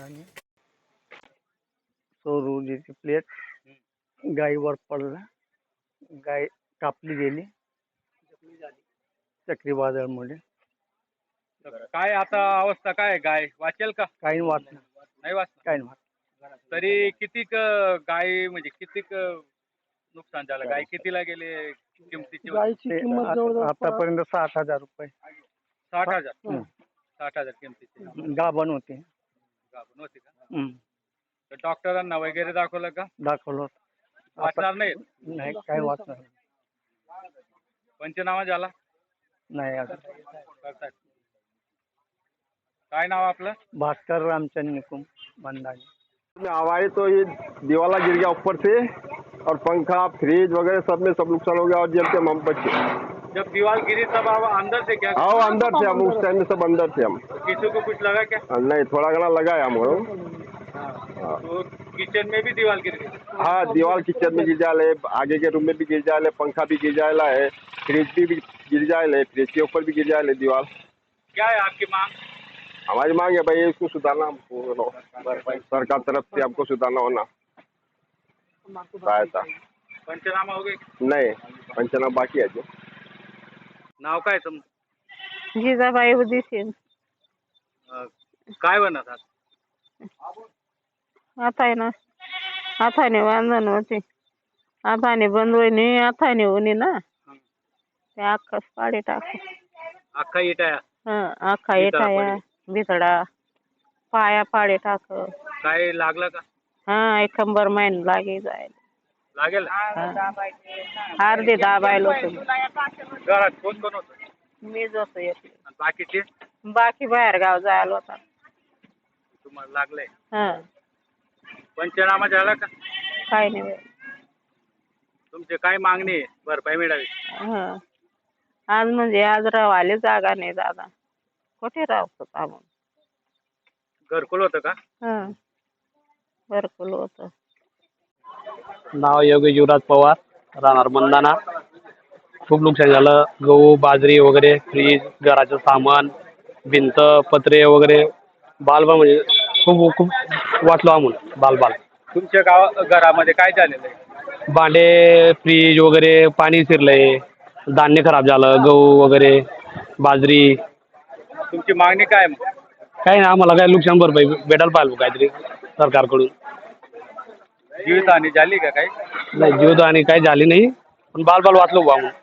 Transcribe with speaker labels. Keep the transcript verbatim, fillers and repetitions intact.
Speaker 1: आणि सौर ऊर्जेची प्लेट गायीवर पडला, गाय कापली गेली चक्रीवादळामुळे.
Speaker 2: काय आता अवस्था काय आहे? गाय वाचेल का?
Speaker 1: काही वाचलं
Speaker 2: नाही वाचणार.
Speaker 1: काही वाच
Speaker 2: तरी कितीक अं, गाय म्हणजे कितीक अं, नुकसान झालं? गाय कितीला गेले? किमतीची होती?
Speaker 1: गायची किंमत जवळजवळ आतापर्यंत साठ हजार रुपये.
Speaker 2: साठ हजार
Speaker 1: हं.
Speaker 2: साठ हजार किमतीची
Speaker 1: गाभण होते.
Speaker 2: गाभण होती का?
Speaker 1: हं.
Speaker 2: तर डॉक्टरांना वगैरे दाखवलं का?
Speaker 1: दाखवलं होतं. आता
Speaker 2: वाचणार नाही.
Speaker 1: नाही काही वाचणार
Speaker 2: पंचनामा झाला?
Speaker 1: नाही. अजून
Speaker 2: करतायत. काय नाव आपलं?
Speaker 1: भास्कर रामचंद निकुम बंदानी.
Speaker 3: हवाई तो ये दीवाला गिर गया ऊपर से और पंखा फ्रिज वगैरह सब में सब नुकसान हो गया और जब हम बचे।
Speaker 2: जब दीवार गिरी तब आप अंदर से क्या?
Speaker 3: हाँ अंदर से हम उस टाइम में सब अंदर थे हम।
Speaker 2: किसी को कुछ लगा क्या?
Speaker 3: नहीं थोड़ा घना लगा है हमको।
Speaker 2: तो किचन में भी दीवार गिर गई?
Speaker 3: हाँ दीवार किचन में गिर जाए, आगे के रूम में भी गिर जाए, पंखा भी गिर जाएला है, फ्रिज भी, भी गिर जाए, फ्रिज के ऊपर भी गिर जाए दीवार।
Speaker 2: क्या है आपकी मांग?
Speaker 3: हमारी मांग है भाई इसको सुधारना, हमको सरकार तरफ से हमको सुधारना होना सहायता।
Speaker 2: पंचनामा हो गए?
Speaker 3: नहीं पंचनामा बाकी है जो।
Speaker 2: नाव काय तुम?
Speaker 4: जिजाबाई उदिसीन.
Speaker 2: अं, काय बनत आहात?
Speaker 4: हाताय ना हाताने बांधण होते, हाताने बंदवणी हाताने उनी ना ते अख्खा पाडी टाक.
Speaker 2: अख्खा इटाया?
Speaker 4: हं अख्खा
Speaker 2: भितडा
Speaker 4: येटाया भितडा पाया पाडे टाक.
Speaker 2: काय लागलं का?
Speaker 4: हा एक कंबर महिन लागे जायला.
Speaker 2: लागेल?
Speaker 4: अर्धे दाबायला होते.
Speaker 2: घरात कोण कोण होतं?
Speaker 4: मीच होतो एकटी.
Speaker 2: आणि बाकीचे?
Speaker 4: बाकी बाहेर गाव जायला होता.
Speaker 2: तुम्हाला लागलंय?
Speaker 4: हा
Speaker 2: पंचनामा झाला का?
Speaker 4: काय नाही बाई.
Speaker 2: तुमची काय मागणी आहे भरपाई मिळावी?
Speaker 4: हं आज म्हणजे आज रावायला जागा नाही दादा, कुठे राहतो आपण.
Speaker 2: घरकुल होतं का?
Speaker 4: हं घरकुल होतं.
Speaker 5: नाव योगेश युवराज पवार, राहणार मंदाना. खूप नुकसान झालं. गहू बाजरी वगैरे, फ्रीज, घराचं सामान, भिंत पत्रे वगैरे, बालबाल म्हणजे खूप खूप वाचलो आम्ही बालबाल.
Speaker 2: तुमच्या गाव घरामध्ये काय झालेलं आहे?
Speaker 5: भांडे फ्रीज वगैरे पाणी शिरलंय, धान्य खराब झालं, गहू वगैरे बाजरी.
Speaker 2: तुमची मागणी काय मग?
Speaker 5: काही नाही आम्हाला काय नुकसान भरपाई भेटायला पाहिजे काहीतरी सरकारकडून.
Speaker 2: जीवितहानी झाली का काही?
Speaker 5: नाही जीवितहानी काही झाली नाही, पण बालबाल वाचलो बा आम्ही.